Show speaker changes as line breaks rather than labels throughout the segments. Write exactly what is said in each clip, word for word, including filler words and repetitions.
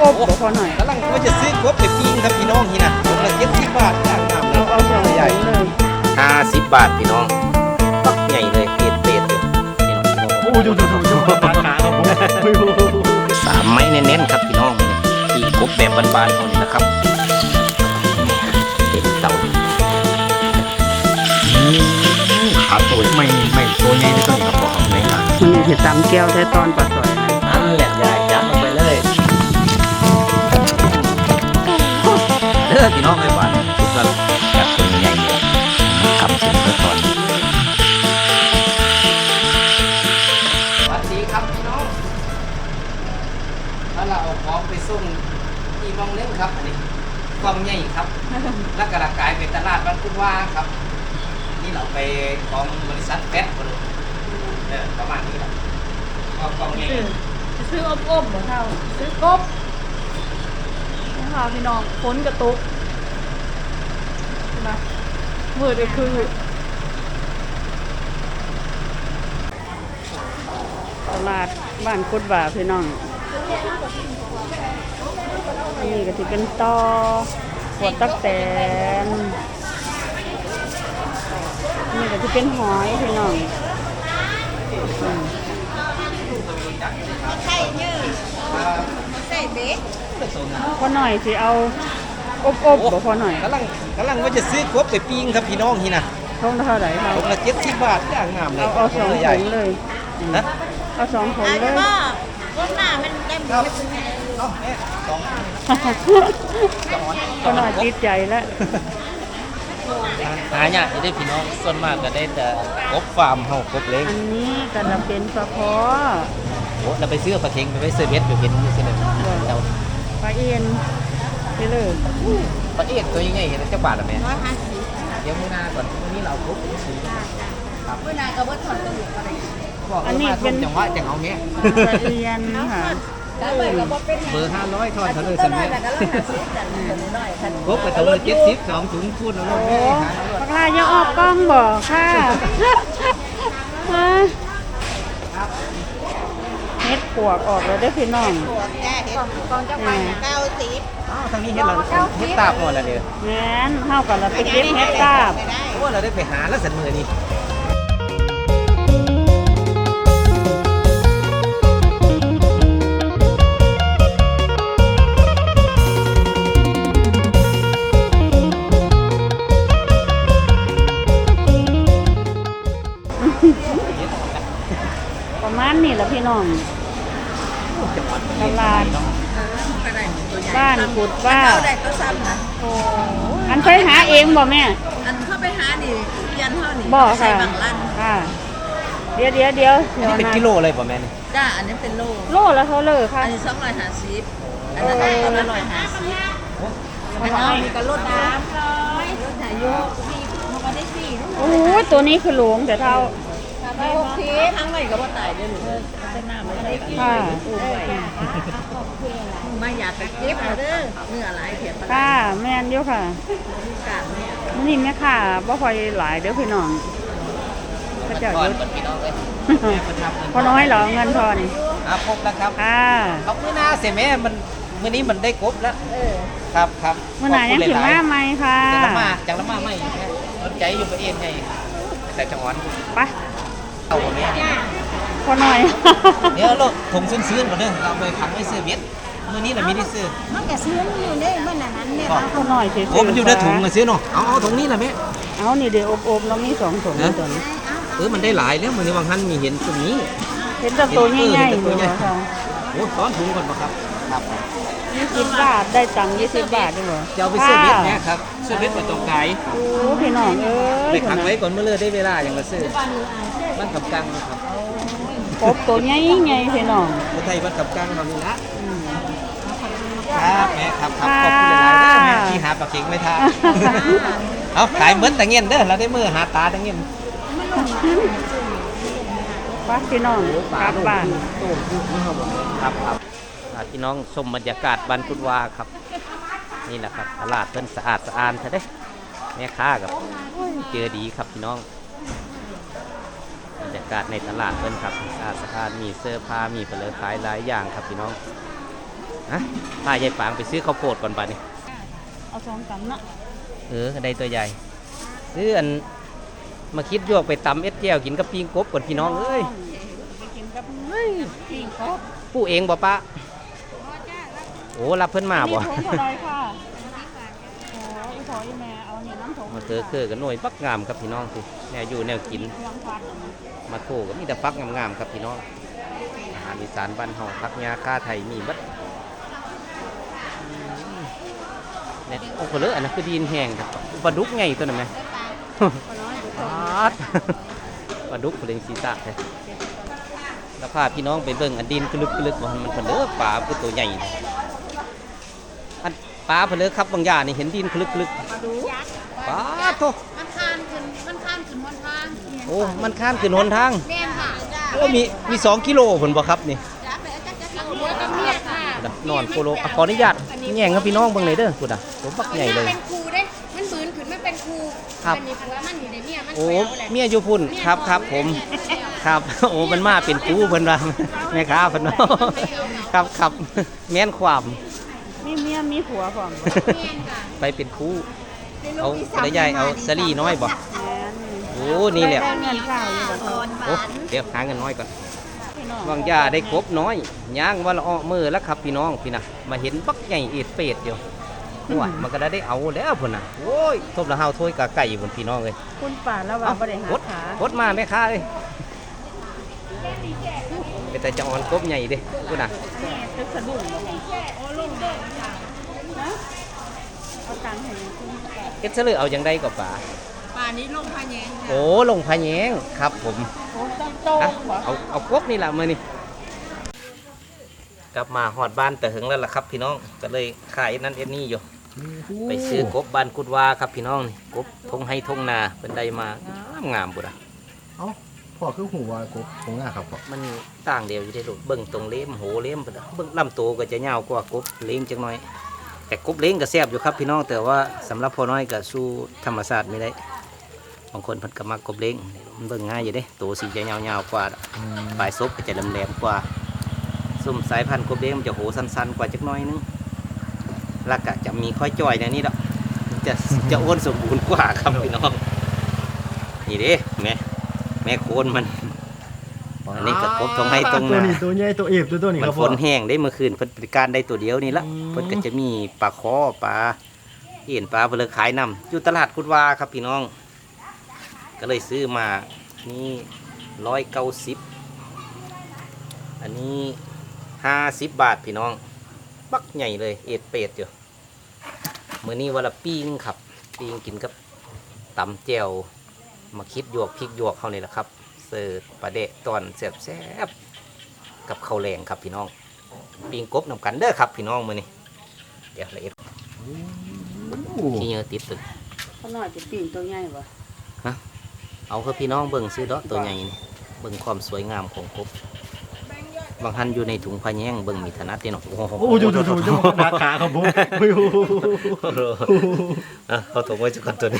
อบๆบ่พอหน่อย
กำลังว่าจะซื้อกบไปปิ้งครับพี่น้องนี่นะถุงละเจ็ดสิบบาทย่างงามเล
เอา
ย
เอาสองถุงเลย
ห้าสิบบาทพี่น้องปักใหญ่เลยเตดเตดเลย
โอ้ดูดูดูดูขาขาครับผม
สามไม้เน้นๆครับพี่น้องปีกบแบบบานๆเขานี่นะครับเต็มเตาขาตัวไม่ไม่ตัวใหญ่ไม่ต้องกับบอกไม่ละ
มันนี่สิตำแก้วได้ตอนปลาสอยนะ
นั่นแหละยายยัดลงไปเลยเด้อพี่น้องไม่หวานทุกท่านจัดตัวใหญ่เลยครับถึงแล้วตอนสวัสดีครับพี่น้องแล้วเราเอาของไปส่งที่มองเล่นครับอันนี้ความใหญ่ครับ แล้วกระกายเป็นตลาดบ้านคุณว่าครับนี่เราไปของบริษัทแฟตบริเออประมาณนี้แหละก็ความใหญ่
ซื้อซื้ออบอบบ่เท่าซื้อกบนี่ค่ะพี่น้องฝนกระตุกนะมืดก็คือตลาดบ้านกุดบ่าพี่น้องนี่ก็ถือเป็นตอหัวตักแตนนี่ก็ถือเป็นหอยพี่น้องอืม พอหน่อยสิเอาอบอบๆบ่พอหน่อย
กำลังกำลังว่าจะซื้อกบไปปิ้งครับพี่น้องนี่นะ
ท้องเท่าไหร่ครับ
ถุงละเจ็ดสิบบาทย่างงามเลย
เอาเอาสอง
ใหญ่
ถุงเลย
นะ
เอาสองถุงเลย
ก้มหน้ามันได้
ครับเอาแม่สอง
พอหน่อยติดใจแล้ว
หาเนี่ยจะได้พี่น้องส่วนมากก็ได้แต่กบฟาร์มเฮากบเล็ก
อันนี้ก็จะเป็นปลาคอ
โอ้เราไปซื้อปลาเค็งไปไว้เซอร์เวสอยู่เป็นนี่ใช่ไหมเรา
ปลาเอ็นไปเลย
ปลาเอ็ดตัวใหญ่ๆเห็นเจ้าบาทหรือไม่
ร้อยห้าสิบ
เดี๋ยวมื้อหน้าก่อนมื้อนี้เราเอากบไปซื้อ
เวลากระเบิดถอดกระดูกอะไร
บอกเออมาทุ่มจังหวะจังเอาเนี้ย
ปลาเอ็นค่ะ
แล้วเบิดกระเบิดเป็น
เบอร์ห้าร้อยทอดเขาเลย
ต้
ส
นน้อ
มั
ย
ย
แต่ก็ร้อยห้าสิบแต่คนน้อยคัน
กบไปตัวละเจ็ดสิบสองถุงพูดเอาล
โอ้
งแม่หา
ปลาอย่าออกกล้องบ่ค่ะฮะเฮ็ดปวกออกแล้วได้อพี่น้อง
ตัวแก่เห็นกองเจ้าไปเก้าสิบ
อ้าวทางนี้เห็นเราเห็ดตาบหมดแล้วเนี่ย
แม่นเฮากันละไปเก็บเฮ็ดตาบ
ไม่ได้
โอ้เราได้ไปหาแล้วสันมือนี่
ประมาณนี้แหละพี่น้องตลาดบ้านกุดว่า
เข้าได้ก็ซ้ำนะ
อันเคยหาเองบ่แม่
อันเข้าไปหานี่ยันเท่านี่
บ่
ใส่
ค่ะ
บางลั่น
ค่ะ เดี๋ยวเดี๋ยวเดี๋ยวเดี๋ยว
นี่เป็น
นะ
กิโลเลยป่ะแม่นี่
จ้าอันนี้เป็นโล
โลแล้วเขาเลยค่ะ
อันนี้สองร้อยห้าสิบอันนั้นก็ละร้อยห้าสิบอันนั้นมีก็ลดน้ำร้อยลดหายโยกสี่มันก็ได้สี่
โอ้ยตัวนี้คือหลวงแต่เท่า
ไปหกสิบทั้งใหม่ก็บ่ตายได้หรือเป็นน้ำไม่ได้กิน
ค่ะ
มาอยากไปเก็บเอาเด้อเนื้อหลายเถียนปลา
ค่ะแม่นอยู่ค่ะ
กาดเนี่ย
มื้อนี้แม่ค่ะบ่ค่อยหลายเด้อพี่น้องพระเจ้า
ก่อน
ยุด
ก่อนพี่น้องเลย
พอน้อยเหรอเงินทอน
อ่ะครบแล้วครับ
ค่ะ
เอามื้อหน้าเสียแม่มันมื้อนี้มันได้กบแล้วครับครับ
มื้อไหนยังถึงมาไหมค่ะ
จังละมาจังละมาไม่แม่สนใจอยู่ประเทศไงแต่จังหวัด
ไป
เอาแม่
พอน้อย
เดี๋ยวเราถุงซื้อๆก่อนเด้อเราไปขังไว้ซื้อเบ็ดมื้อนี้น่ะมีได้ซื้อ
มันก็ซื้อมันอยู่ในมันนั้นเนี่ย
บอก
พอน้อยสิ
โอ้มันอยู่ในถุงมาซื้อเนาะเอาเอาถุงนี้ล่ะแม่
เอานี่เดี๋ยวอบๆเรามีสองถุงนี่ตัวนี้
เออมันได้หลายแล้วมื้อนี้บางท่านมีเห็นตรงนี้
เห็นแต่ตัวใหญ่ๆอยู่เหรอค่ะ
โอ้ซ้อนถุงก่อนป่ะครับครับ
ยี่สิบบาทได้ตังค์ยี่สิบบาทด้วยเหรอ
จะเอาไปซื้อเบ็ดแม่ครับซื้อเบ็ดมาตรงไกล
โอ้พี่น้องเอ้ย
ไปขังไว้ก่อนเมื่อเลิกได้เวลาอย่างละซื้อมันขับกลางครับ
กบตัวใหญ่ใหญ่พี่น้อง
คนไทยมันขับกลางเขานี่ละครับแม่ครับครับขอบคุณหลายๆเด้อแม่ที่หาปลาเข็งไม่ทานเอาขายเหมือนแต่เงี้ยเด้อเราได้มือหาตาแต่เงี้ย
ป้าพี่น้องกลับบ้าน
ครับครับพี่น้องชมบรรยากาศบ้านพุทธวาครับนี่แหละครับตลาดเพิ่นสะอาดสะอาดซะเด้แม่ค้ากับเจอดีครับพี่น้องบรรยากาศในตลาดเพิ่นครับสะอาดสะอาดมีเสื้อผ้ามีเปลือกขายหลายอย่างครับพี่น้องฮะพายายปางไปซื้อข้าวโพดก่อนป่ะนี่
เอาสองกำเนาะ
เออได้ตัวใหญ่ซื้ออันมาคิดยวกไปตำเอ็ดแก้วกินกับปิ้งกบก่อนพี่น้องเอ้ย
ไปกินกับปิ้งครบ
ผู้เองบ่ปะโอ้รับเพิ่นมาบ่
นี่ถุงเท่าไรค่ะโอ้ยขออีแม่เอาเนี่ยน้ำถุง
มาเจอเคือกันหน่วยปักงามครับพี่น้องสิแนวอยู่แนวกิน
วางพัน
มาโถก็มีแต่ฟักงามๆครับพี่น้องอาหารอีสานบ้านเฮาพักยาค่าไทยมีเบัดเนี่ยโอ้โหเลยอันนั้นคือดินแห้งครับปลาดุกไงตัวนั้นไหมปลาดปลาดุกเป็นสีตาเลยแล้วพาพี่น้องไปเบิ่งอันดินกลึกกลึกว่ามันเผลอปลาคือตัวใหญ่นะอันปลาเผลอครับบางอย่างนี่เห็นดินกลึกกลึกปลาโต
มันคานขึ้นมันคานขึ้นบนทาง
โอ้มันข้ามขึ้นหนทาง
แม่นค่ะ
โอ้มีมีสองกิโลผลบ่ครับนี่
จ้าไปจ้าจ้าหัวกับเมียค่ะ
นอนโคโลอ่ะขออนุญาตแย่งครับพี่น้องเบิ่งเลยเด้อคุณอ่ะผมบักใหญ่เลย
เป็นครูเด้มันบืนขึ้นมันเป็นครู
ครับ
มันมีผัวมันอยู่ในเมียมัน
โอ้
แปลว่าอะไร
เมียอยู่พุ่นครับครับผมครับ โอ้มันมาเป็นกูเพิ่นว่าแม่ค้าเพิ่นเนาะครับครับแม่นความ
มีเมียมีผัวพร้อมบ่
เมียนค่ะ
ไปเป็นครูเอาระยายเอาสลีน้อยบ่
แม่น
โอ้นี่แหละ
ได้เงินข้าวอยู่บ่
โอ้เดี๋ยวหาเงินน้อยก่อน
พี่น้อง
บางยาได้ครบน้อยย่างวันละอ้อมือแล้วครับพี่น้องพี่นะมาเห็นบักใหญ่เอ็ดเป็ดอยู่โอ้ยมันก็ได้เอาแล้วพุ่นน่ะโอ้ยทบละเฮาถ้วยกะไก่พุ่นพี่น้องเอ้ย
คุณป่าแล้วว่าบ่ได้หาก
ด
ขาก
ดมาแม่ค้าเอ้ยเป็นแต่จะอ่อนกบใหญ่เด้พุ่นน่ะ
ตึกสะดุ้งบ่โอ้ลงเด้อนะเอาตังค์ให้คุณป่า
เอ็ดเสลือเอาอย่างใดกับป๋า
ป่านี้ลงพาแยงค่ะ
โอ้ลงพะแยงครับผม
โอ้ต้องโต
อ่ะ
บ่
เอาเอากบนี่ล่ะมื้อนี้กลับมาฮอดบ้านแต่หึงแล้วล่ะครับพี่น้องก็เลยขายนั่นเอ็ดนี่อยู่ ไปซื้อกบบ้านกุดวาครับพี่น้องนี่กบทงให้ทงนาเป็นได้มางามงามบุระ
เอ้าพ่อคือหูว่ากบคงหน้าครับพ่อ
มันต่างเดียวอยู่ที่ลูกเบิ่งตรงเล้มโหเล้มพุ่นน่ะเบิ่งลำตัวก็จะยาวกว่ากบเล้งจังน้อย แต่กบเล้งก็แซ่บอยู่ครับพี่น้องแต่ว่าสำหรับพ่อน้อยก็สู้ธรรมชาติไม่ได้บางคนเพิ่นก็มักกบเล้งมันเบิ่งง่ายอยู่เด้ตัวสีจะยาวๆกว่าปลายซบก็จะแหลมๆกว่าซุ่มสายพันธุ์กบเล้งมันจะโหสั้นๆกว่าจักหน้อยนึงแล้วก็จะมีค่อยจ่อยในนี้ดอกจะจะอ้วนสมบูรณ์กว่าครับพี่น้องนี่เด้แม่แม่โคนมัน อันนี้ก็กบตรงให้ตรงนา
ตัวนี้ตัวใหญ่ตัวเอฟตัวตัวนี้
มั
คน รับ
ฝ
พ่อน
แห้งได้เมื่อคืนเพิ่นบริการได้ตัวเดียวนี่ละ
อืม
เพิ่นก็จะมีปลาคอปลาเอ็นปลาเพิ่นเลยขายนำอยู่ตลาดกุดวาครับพี่น้อง ก็เลยซื้อมานี่ร้อยเก้าสิบอันนี้ห้าสิบบาทพี่น้องบักใหญ่เลยเอ็ดเป็ดอยู่มื้อนี้วันละปิ้งครับปิ้งกินกับตำแจ่วมาคิดหยวกพริกหยวกเขานี่แหละครับเสิร์ฟปลาเดะตอนแซ่บๆกับข้าวแรงครับพี่น้องปิ้งกบนำกันเด้อครับพี่น้องมื้อนี้เดี๋ยวละเอ็ดขี้เหงื่อติดตึก
เขาน้อยจะปิ้งตัวใหญ่บ่
เอาคือพี่น้องเบิ่งซื้อเดาะตัวใหญ่นี่เบิ่งความสวยงามของกบบางท่านอยู่ในถุงพะแยงเบิ่งมีถนัดเด้เนาะโอ้โห
โอ้ดูดูดูดูหน้าขาครับผมโอ้โห
อ่ะเอาถุงไว้จักก่อนตัวนี้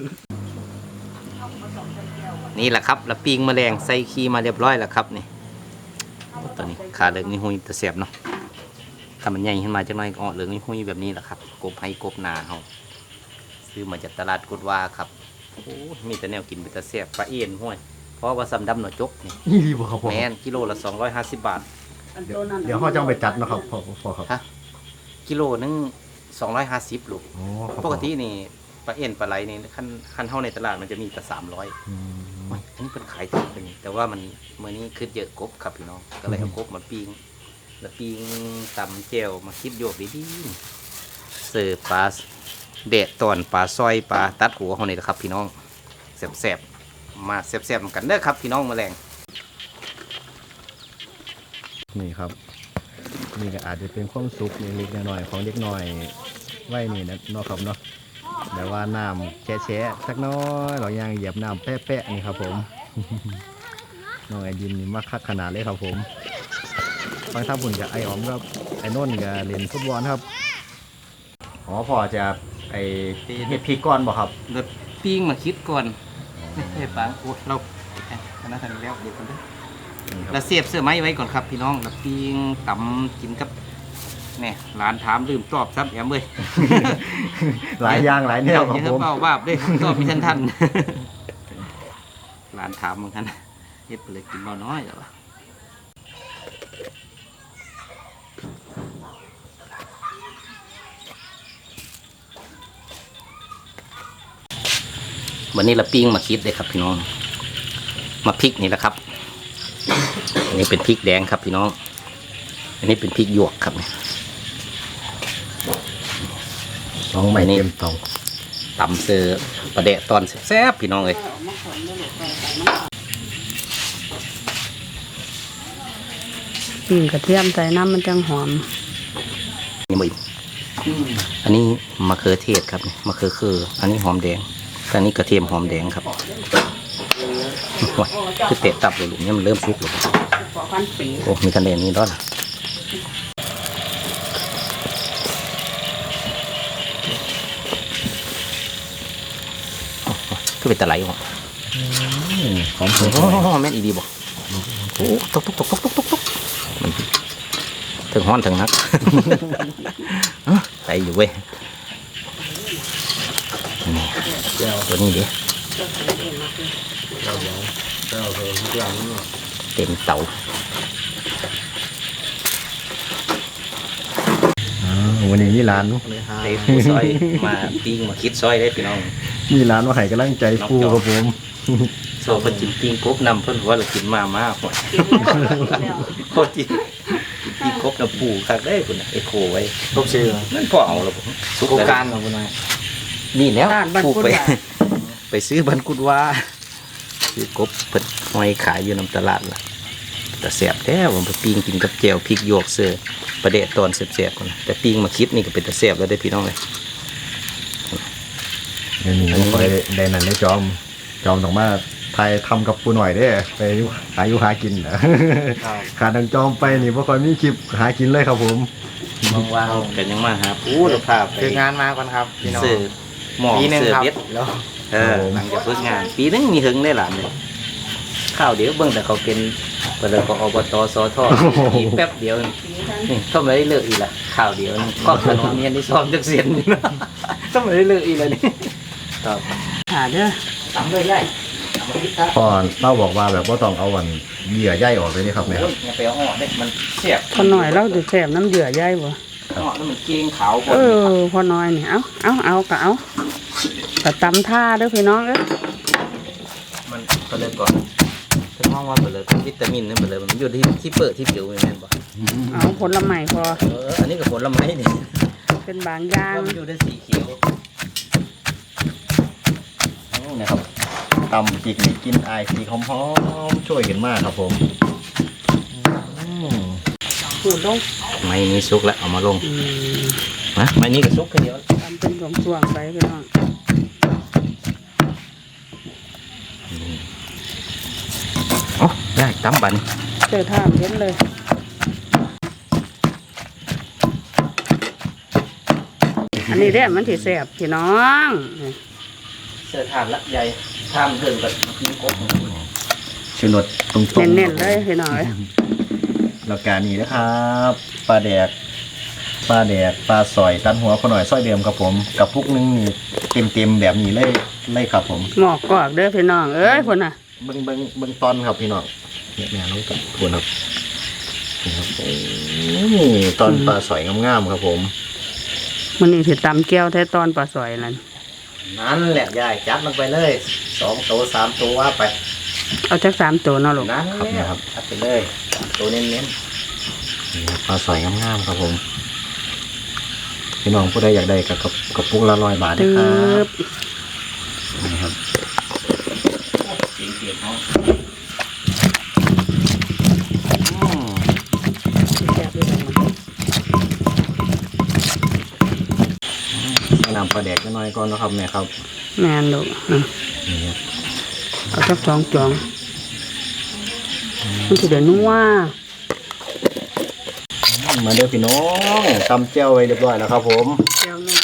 นี่แหละครับแล้วปิ้งแมลงใส่ขี้มาเรียบร้อยแล้วครับนี่ตัวนี้ขาเหลืองนี่หุยแต่แสบเนาะถ้ามันใหญ่ขึ้นมาจักหน่อยก็เหลืองนี่หุยแบบนี้แหละครับกบให้กบนาเฮาซื้อมาจากตลาดกุดวาครับโอ้มีแต่แนวกินเป็นแต่แสบปลาเอ็นห้วยเพราะว่าซ้ำดำหน่อจกนี่
นี่ดีบ่ครับพ่อ
แมนกิโลละสองร้อยห้าสิบบาท
อัน
เดี๋ย
ตัว วนั้น
เดี๋ยวเขาจะเอาไปจัดเนาะครับพ่อพ่อครับ
ฮะกิโลนึงสองร้อยห้าสิบลูก
โอ้ครับ
ปกตินี่ปลาเอ็นปลาไหลนี่คันคันเท่าในตลาดมันจะมีแต่สามร้อย
อืม
อันนี้เป็นขายถูกเป็นแต่ว่ามันเมื่อนี้คือเยอะกบครับพี่น้องก็เลยเอากบมาปิ้งแล้วปิ้งตำเจียวมาคิดโยกดีๆเสิร์ฟปลาเดะตอนปลาซอยปลาตัดหัวเขานี่แหละครับพี่น้องแซ่บๆมาแซ่บๆกันเด้อครับพี่น้องแมลง
นี่ครับนี่ก็อาจจะเป็นความสุขเล็กๆน้อยๆของเด็กน้อยไว้นี่นะเนาะครับเนาะแต่ว่าน้ำแฉะๆสักน้อยเรายังเหยียบน้ำแปะๆนี่ครับผม น้องไอดินนี่มักคักขนาดเลยครับผมฟังท่าบุญกับไอออมครับไอโน่นกับเล่นฟุตบอลครับอ๋อพอจะไอเห็ดพริกก้อนบ่ครับ
แล้วปิ้งมาคิดก่อนเฮ้ยปังโอ้เราคณะทางแล้วเดี๋ยวกันเด้อ
นี่ค
แล้
รับ
วเสียบเสื้อไม้ไว้ก่อนครับพี่น้องแล้วปิ้งตำกินกับเนี่ยร้านถามลืมตอบซ้ำแอมเลย
หลายอย่างหลายแนวครับ
อย่า
ผม
เบาบาบได้ตอบมีทันทันร้านถามเหมือนกันเฮ็ดไปเลยกินเบาน้อยแต่ว่าวันนี้เราปิ้งมาคิดเลยครับพี่น้องมาพริกนี่แหละครับอันนี้เป็นพริกแดงครับพี่น้องอันนี้เป็นพริกหยวกครับ
น้องใหม่เต็มเตา
ตำเสือประเดะตอนแซ่บๆพี่น้องเลย
ปิ่งกระเทียมใส่น้ำมันจังหอม
นี่มึงอันนี้มะเขือเทศครับมะเขือคืออันนี้หอมแดงอันนี้กระเทียมหอมแดงครับโอ้ยคือเตะตับเลยลูกเนี่ยมันเริ่มสุกแล้วโอ้มีคะแนนนี้ด้วยนะคือเป็นตะไลวะ
หอม
โอ้โหแม่นอีดีบอกโอ้ตกตกตกตกตกตกตกมันถึงห้อนถึงนัก ไปอยู่เว้ยนี่ตัวนี้ดิเต็มเตา
วันนี้มีร้าน
เต็มผู้ซอยมาปิ้งมาคิดซอยได้พี่น้อง
มีร้านมาให้กำลังใจฟูครับผม
โซเพิ่นกินปิ้งกบนำเพิ่นว่าเรากินมามากหมดโคตรจริงปิ้งกบน้ำปูคักได้คุณไอโคไว้
ครบชื่อ
นั่นพอเอาแล้วผมสุกแล้ว
การของคุณนาย
นี่แล้ว
ร้านบ้าน
ปู
กุด
ไป
ว่า
ไปซื้อบันกุดว่าซื้อกบเพิ่นห้อยขายอยู่น้ำตลาดล่ะแต่แสบแท้ผมไปปิ้งกินกับแจ่วพริกหยวกเสือประเดะตอนแสบๆคนแต่ปิ้งมาคิดนี่ก็เป็นแต่แสบแล้วได้พี่น้องเลย
เดี๋ยวนี้ไม่ค่อยได้นั่นได้จอม จอมต้องมาไทยทำกับปูหน่อยได้ไปหาอยู่หากินเหรอขาดทางจอมไปนี่ไม่ค่อยมีคลิปหากินเลยครับผม
ว่างๆกันยังมาหาปูเราพาไป
คืองานมาก่อนครับพี่น้อง
เสือหมอก
ปีหนึง
เสือ
ครับ
เบ็ด
แล้ว
เออหลังจากฝึกงาน ปีนึงมีหึงได้หลานเลยข้าวเดี๋ยวเบิ่งแต่เขาเป็นเปิดเลยก็อบตสทอีกแป๊บเดียวนี่ทำไมได้เลิกอีกล่ะข้าวเดียวนึงก็ขนมเนียนที่ซ้อมจักเสียนนี่เนาะทำไมได้เลิกอีกล่ะนี่ต่อ
หาเด้อ
ตำเลยย่ายตำมาพิษครับ
พ่อเล่าบอกว่าแบบว่าต้องเอาวันเหยื่อใยออกเลยนี่ครับเนี่ย
โอ้ยอย่าไปเอาห่อเด็กมันเสียบ
พอหน่อยเราจะแสบน้ำเดือดใหญ่บ่
ห่อแล้วมันเกงขาวหม
เอ
ด
อพอน้อยนี่เอาเอาเอาก็เอาก็ตำท่าเด้อพี่น้องเอ้ย
มันก็เลยก่อนถึงห้องว่าเปิดเลยวิตามินนั่นเปิดเลยมันอยู่ที่ที่เปิดที่ผิวแม่นบ่
เอาผลไม้พอ
เอออันนี้ก็ผลไม้นี่
เป็นบางอย่าง
ว่ามันอยู่ในสีเขียว
นะครับตำพริกนี่กินไอายพริกหอมๆช่วยกันมากครับผมอืม
ขูดลง
ไม้นี้ซุกแล้วเอามาลง
อืม
นะไม้นี้ก็ซุกแค่เดียว
ตำเป็นส่วงๆไปพี่น้อง
อ๋อได้ตำบัน
เจอท่าเห็นเลย อันนี้เด้อมันสิแสบพี่น้อง
เสื้อทานละใหญ่ทานเพิ่มกับกินกบ
ชูรสตรงๆ
เน้นๆเลยพี่น้องเอ้ย
แล้วการนี้นะครับปลาแดกปลาแดกปลาสอยตันหัวพอหน่อยส้อยเดิมครับผมกับพุกนึงนี่เต็มๆแบบนี้เลยเลยครับผม
หมอกกอกเด้อพี่น้องเอ้ยพุ่นน่ะ
เบิ้งเบิ้งเบิ้งตอนครับพี่น้องเนี่ยแม่น้องกับทวนครับนี่ครับโอ้ยตอนปลาสอยงามๆครับผม
มันนี่สิตำแก้วแท้ตอนปลาสอยนั่น
นั่นแหละยายจัดลงไปเลยสองตัวสามตัวว่าไป
เอาจักสามตัวเนาะลูก
นั่น
ครับ
แห
เนี่ย
ละ
ครับ
อัดไปเลยตัวเน้น
นี่ครับปลาสอยงามๆครับผมพี่น้องผู้ใดอยากได้กับกับกับปุกละร้อยบาทนะ
ตึ
ครับ
บ
นี่ครับ
ๆเสียงเสียงเขา
แซ่บด้วยกัน
ใส่น้ำปลาแดกน้อยๆก่อนนะครับแม่ครับ
แม่นลูกอ่ะ
นี่ครับ
เอาจักสองจองมันสิได้นัว
มาเด้อพี่น้องตำเจ้าไว้เรียบร้อยแล้วครับผม
แก้วนัว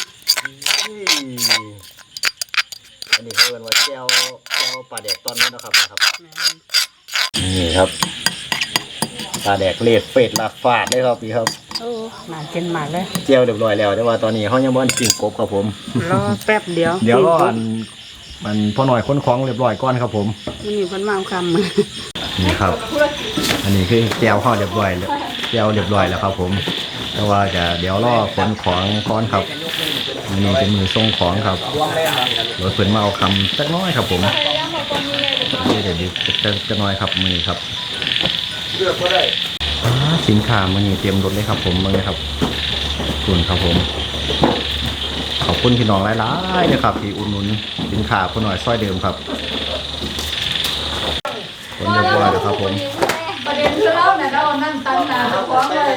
อันนี้เขาเรียกว่าแก้วแก้วปลาแดกตอนนี้นะครับนะครับ
แม่น
นี่ครับปลาแดกเลดเฟดลาฟาดเลยครับพี่ครับ
โอ้น่ากินมากเลย
เจียวเรียบร้อยแล้วแต่ว่าตอนนี้เขายังบ่ทันปิ้งกบครับผม
รอแป๊บเดียว
เดี๋ยวรออันมันพอหน่อยค้นของเรียบร้อยก่อนครับผม
มันมีคนมาเอาคำ
นี่ครับ อันนี้คือแจวข้าวเรียบร้อยแล้วแจวเรียบร้อยแล้วครับผม แต่ว่าจะเดี๋ยวรอขนของก่อนครับอันนี้เป็นมือส่งของครับเดี๋ยวเพิ่นมาเอาคำสักน้อยครับผมเดี๋ยวเดี๋ยวจะจะน้อยครับมือครับอ่าสินค้ามันนี่เตรียมรถเลยครับผมมาเลยครับขอบคุณครับผม ขอบคุณพี่น้องหลายๆนะครับที่อุดหนุนสินค้าคนหน่อยซอยเดิมครับคนเรียบร้อยแล้วครับผม
ประเด็นคือเราเนี่ยเรานั่งตั้งนานฟ้องเลย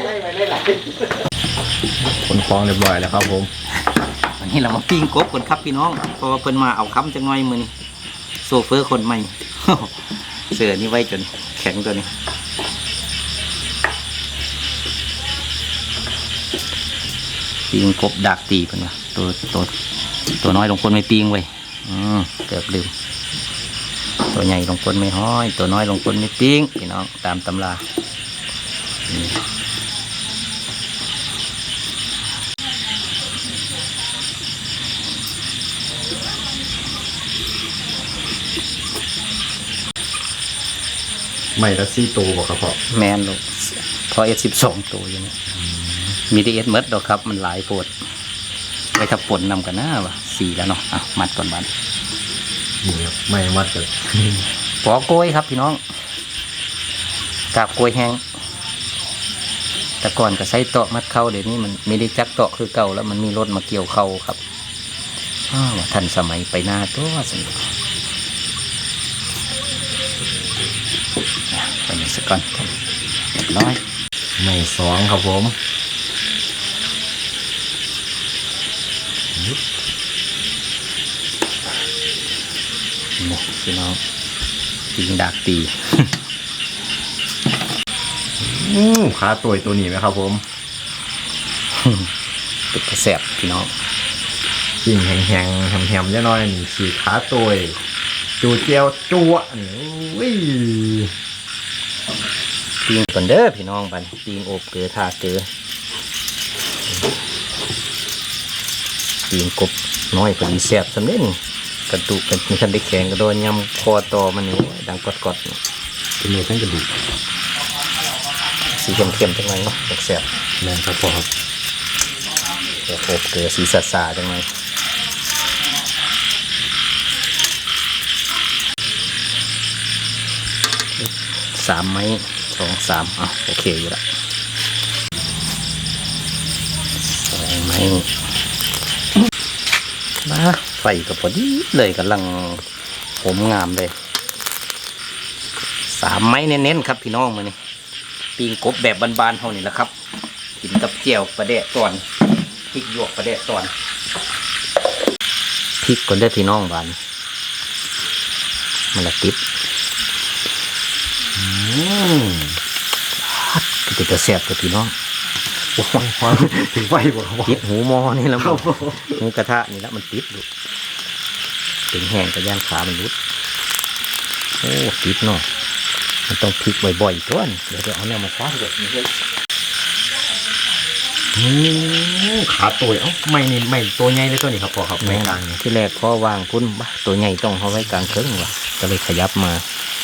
คนฟ้องเรียบร้อยแล้วครับผม
วันนี้เรามาปิ้งกบกันครับพี่น้องเพราะว่าเพิ่นมาเอาคำจังหน่อยมือนี่โซเฟอร์คนใหม่ เสือนี่ไว้จนแข็งตัวนี้ปิ้งกบดักตีเพิ่นว่าตัวตัวตัวน้อยลงคนไม่ปิ้งไว้อืมเกือบลืมตัวใหญ่ลงคนไม่ห้อยตัวน้อยลงคนไม่ปิ้งพี่น้องตามตำรา
ไม่ละซี่ตัวบอกครับพ่อ
แมนลูกพอเอสสิบสองตัวอยู่นี่มีดีเอสเมดดอกครับมันหลายโพดไว้ถ้าปนนำกันหน้าวะสี่แล้วเนาะอ่ะมัดก่อนบัน
นี่ครับไม่มัดกัน
ปอกกล้วยครับพี่น้องกาบกล้วยแห้งแต่ก่อนก็ใช้เตาะมัดเข้าเดี๋ยวนี้มันไม่ได้จักเตาะคือเก่าแล้วมันมีรถมาเกี่ยวเข้าครับอ้าวทันสมัยไปหน้าตัวสนุกไปหนึ่งสักก่อนเรียบร้อย
ไม่สองครับผม
นี่พี่น้องตีดักตี
อืมขาตัวตัวนี้ไหมครับผม
เป็ดกระแสบพี่น้อง
กิ่งแห้งๆแหมๆเยอะน้อยนี่สีขาตัวจูเจียวจั่วนี่โอ้ย
ปีงก่อนเด้อพี่น้องบันปีงโอบเกลือทาเกลือปีงกบน้อยพอดีแสบสำเร็จกระดูกกันมีทันได้แข็งกระโดนยำคอตอมันนี่ดังกอดๆนี่
เป็นเนื้อทั้งกระดูก
สีเข้มๆจังเลยเนาะแสบ
แม่นครับพ่อครับ
เดี๋ยวโอบเกลือสีสาๆจังเลยสามไม้สองสามอ่ะโอเคอยู่ละสองไม้มาไฟก็พอดีเลยกำลังผมงามเลยสามไม้เน้นๆครับพี่น้องมานี่ปีงกบแบบบานๆเท่านี้แหละครับกินกับเจียวปลาแดะตอนพริกหยวกปลาแดะตอนพริกก่อนได้พี่น้องบานมันละติดอืมก็จะแซ่บกับพี่น้องโอ้ย
ความถึงไฟบ่ครับพ่อ
ติดหูมอนี่แล้วมันหูกระทะนี่แล้วมันติดอยู่ถึงแห้งกระย่างขามันรุดโอ้ติดเนาะมันต้องพลิกบ่อยๆตัวนี่เดี๋ยวจะเอาเนี่ยมาซักแบบนี้เลย
อืมขาตัวเอ้าไม่นี่ไม่ตัวใหญ่เลยตัวนี้ครับพ่อครับไม่กลางนี่
ที่แรกพ่อวางพุ่นบ้าตัวใหญ่ต้องเอาไว้กลางเครื่องว่ะก็เลยขยับมา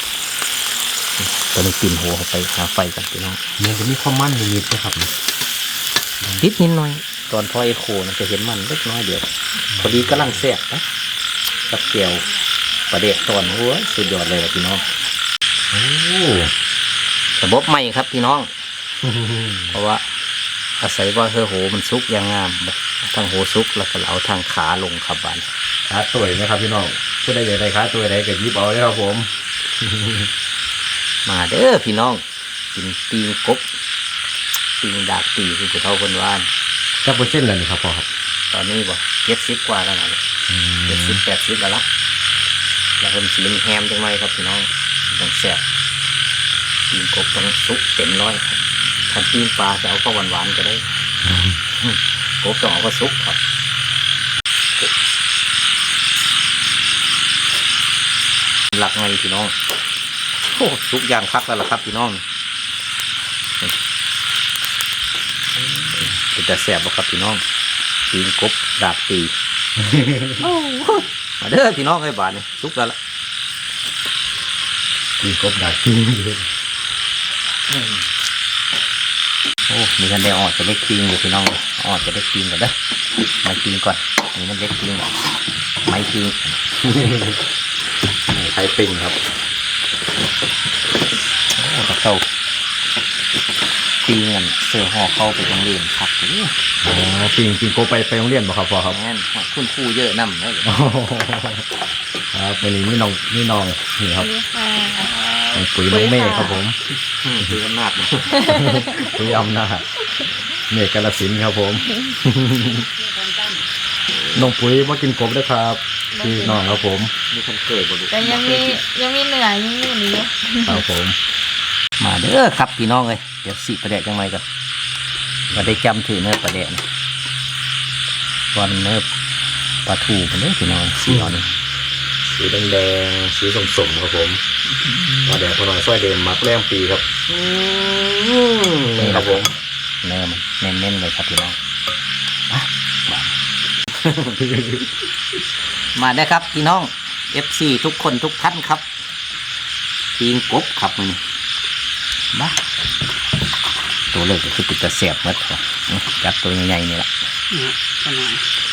ก็เลยปีนหัวเข้าไปหาไฟกันพี่น้อง
มันจะมีความมันนิดๆนะครับ
นิดนิดหน่อยตอนพ่อไอโคนะจะเห็นมันเล็กน้อยเดียวพอดีกำลังแซ่บนะกับเกลียวประเดะตอนหัวสุดยอดเลยพี่น้อง
โอ้
ระบบใหม่ครับพี่น้อง เพราะว่าอาศัยว่าเฮอโหมันซุกอย่างงามทางโหซุกแล้วก็เอาทางขาลงครับบาน
ขาตัวนะครับพี่น้องผู้ใดอยากได้ขาตัวใดก็หยิบเอาเลยครับผม
มาเด้อพี่น้องกินปีงกบปีงดากตีคือผู้เฒ่าคนว่าน
จักเปอร์เซ็นต์แล้วนี่ครับพ่อครับ
ตอนนี้บ่เจ็ดสิบกว่าแล้วนะเจ็ดสิบแปดสิบแล้วละแล้วคนสีแฮมจังไรครับพี่น้องต้องแซ่บปีงกบต้องซุกเต็มร้อยครับถ้าปีงปลาจะเอาข้าวหวานๆก็ได้กบต้องเอาก็ซุกครับหลักไงพี่น้องโอ้ซุกอย่างคักแล้วล่ะครับพี่น้องแต่แสบบ่ครับพี่น้องปีนกบดาบตีมาเด้อพี่น้องไอ้บาทนี่สุกแล้วล่ะ
มีกบดักที่นี่
โอ้มีกันได้ออดจะเล็กปีนอยู่พี่น้องออดจะเล็กปีนก่อนเด้อไม่ปีนก่อนนี่มันเล็กปีนไม่ปีน
ไข่ปิงครับ
โอ้ตะเต้าปีนกันเสือห่อเข้าไปโรงเรียนครับนี่
อ๋อปิงปิงกบไปไปโรงเรียนบ่ครับพ่อครับ
แม่นคุณครูเยอะนำเลย
ครับวันนี้นี่น้องนี่น้องนี่ครับ
นี่ค่ะ
น้องปุ๋ยน้องเมฆครับผม
คืออำนาจ
ปุ๋ยอำนาจเมฆกาฬสินธุ์ครับผมน้องปุ๋ยมากินกบด้วยครับพี่น้องครับผม
มีคนเคยบ่ดู
แต่ยังมียังมีเหนือยังมีอยู่นี่อยู่
ครับผม
มาเด้อครับพี่น้องเลยเดี๋ยวสิประเดะจังไรก่อนมาได้จำถือเนื้อประเดะนะก่อนเนื้อปลาทูกันเลยพี่น้องสีอ่อนนี่
สีแดงๆสีส้มๆครับผมมาแดงพอหน่อยสร้อยเดมมักแรมปีครับนี่ครับผม
เนื้อมันเน้นๆเลยครับพี่น้องมามามาได้ครับพี่น้อง เอฟ ซี ทุกคนทุกท่านครับปีงกบครับมันมาตัวเล็กก็คือติดกระเสียบมัดครับจับตัวใหญ่ๆนี่แหละ
เนี่ยกันหน่อย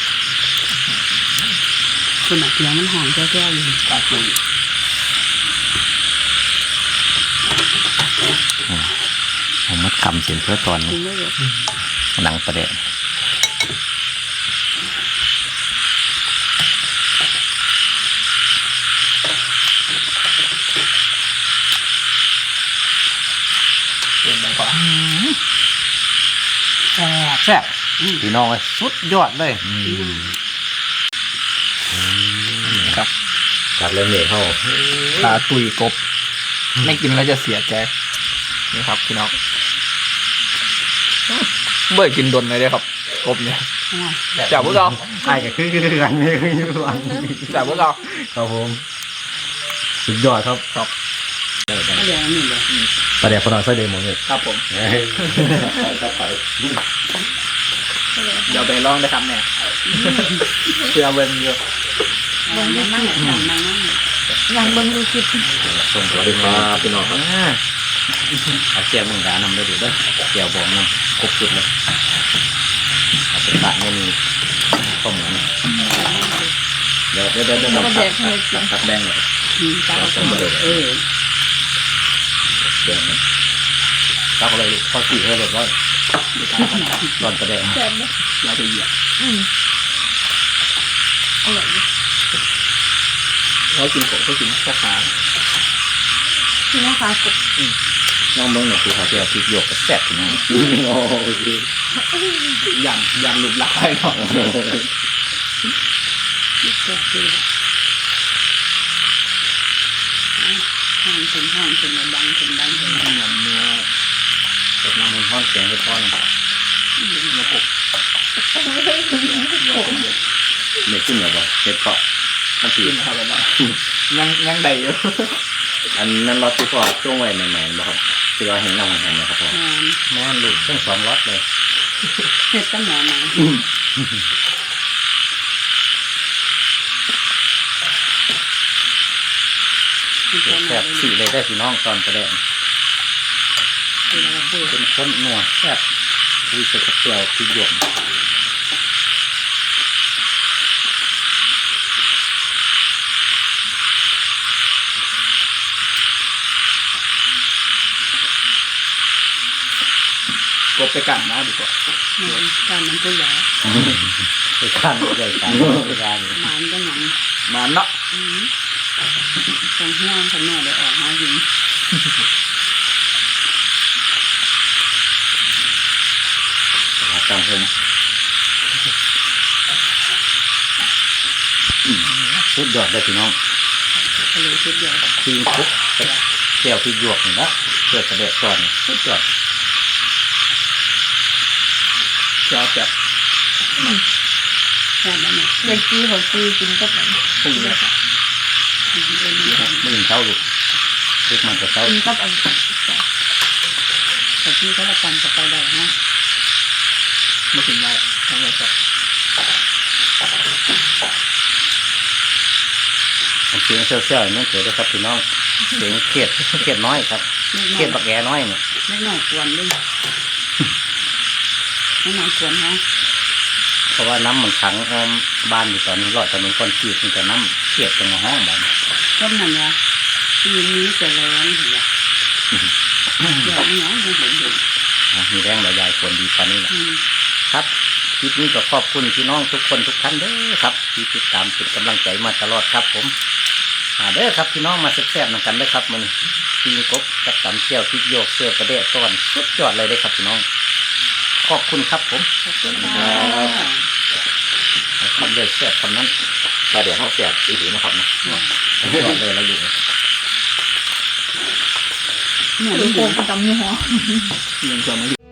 คุณอ่ะเสียงมันหอมแก้วๆอยู่ตัดเลย
ผมมัดคำเสียงเพื่อตอน
กินได้เลย
หนังประเดะแซ่บพี่น้องเลยสุดยอดเลยครับ
กัดเลยเมฆเข้า
ตาตุยกบ ไม่กินแล้วจะเสียใจนี่ครับพี่น้องเบื่อกินดนเลยเด้อครับกบเนี่ยจากพวกเรา
ไอ้ก็คือคือกันไม่คืออยู่หลัง
จากพวกเรา
ครับผมสุดยอดครับ
ครับ
ก็เดี๋ยวนี่เลย
ประเดี๋ยวพอหน่อยสร้อยเดมหมดเลย
ครับผม
เฮ้ยครับไป
เดี๋ยวไปลองได้ครับเนี่ยเพื่อเบิ่งอยู่
บนนั่งนั่งนั่งนั่งยังบนดูคลิป
ส่งสวัสดีครับพี่น้องครับเอาแก้วมึงดานำได้ดูด้วยแก้วบองนำครบสุดเลยเอาไปปะไม่มีข้าวหมูเดี๋ยวเดี๋ยวเดี๋ยวเดี๋ยวตัดตัดตัดแดงเลย
อืมตาเออ
เดี๋ยวตักอะไรข้าวจี่ให้เรียบร้อยตอนประเดี๋ยว
แซ่บเลย
เราไปเหยียบ
อืมอร่อย
เรากินกบก็กินแค่ขา
ที่น้องฟ้ากบ
น้องเบิ้งหน่อยคือเขาจะเอาพริกหยวกกับแซ่บพี่น้อง
โอเค
ยันยันหลุดหลักให้เนาะ
แซ่บเลยห้องเป็นห้องเป็นดังเป็นดังเป็น
เหมือนเนื้อ
เก็บน้ำมันทอดแกงให้ทอดนะ
เนื้อกบ
เม็ดขึ้นเหรอบ่เม็ดเกาะมันตี
กินครับแบบยังยังได้อยู่
อันนั้นรสที่พอช่วงไว้ใหม่ๆบ่ครับที่เราเห็นน้ำมันแห้งนะครับพ่อ
งาน
แม่นลูกทั้งสองรสเลย
เห็ดตั้งหนาหนา
แซ่บสี่เลยได้พี่น้องตอนประเดี๋ยว
คือเราพูด
เป็นข้นนัวแซ่บคุยใส่กระเทียมพริกหยวก
กบไปกันนะดีกว่า
การมันก็ใหญ่
ไปข้างใหญ่ข้างไปข้าง
มันก็หนัง
มาเนาะ
ตรงห้างข้างนอกเดี๋ยวออกมายิง
จังผมสุดยอดเลยพี่น้อง
ทะเลชุดใหญ่
พิงคุกแก้วพริกหยวกนี่นะเพื่อกระเดะก่อนสุดยอด
เจ้าแบบ
แซ่บแล้วเนี่ย
เด็กจีของจีกินกับไหน
พุ่งเลย
ไม่ยินเช้าลูกเล็กมันจะเช้า
กินกับอัน
แต่ที่เขาละกันจะไปได้ฮะ
ไม่กินไรทำไมครับ
เสียงเซี่ยวๆนี่เกิดได้ครับพี่น้องเสียงเครียดเครียดน้อยครับเครียดบักแอน้อยเนี่ย
ไม่หน่อยกวนเลยไม่หน่อยกวนฮะ
เพราะว่าน้ำมันขังอ้อมบ้านอยู่ตอนนี้รอดถนนคอนกรีตมีแต่น้ำเครียดจังห้องบ้าน
ต้นนั่นวะปีนี้จะแรงเหรอเดี๋ยวนี้ยังเห็นอยู่
มีแรงหลายอย่างคนดีกว่านี้แหละครับคลิปนี้ก็ขอบคุณพี่น้องทุกคนทุกท่านเด้อครับที่ติดตามเป็นกำลังใจมาตลอดครับผมมาเด้อครับพี่น้องมาแซ่บๆนำกันเด้อครับมันปีนกบกับตำเจียวพริกโยกเสื้อกระเดะต้นสุดยอดเลยเด้อครับพี่น้องขอบคุณครับผมคำเดียวแซ่บคำนั้นแต่เดี๋ยวเขาแซ่บอีกทีนะครับนะสุดยอดเลยแล้วอยู่
เนี่ย
ลู
ลู
ก
ก
โป่งประจำยี่ห้อ
เงินจะไม่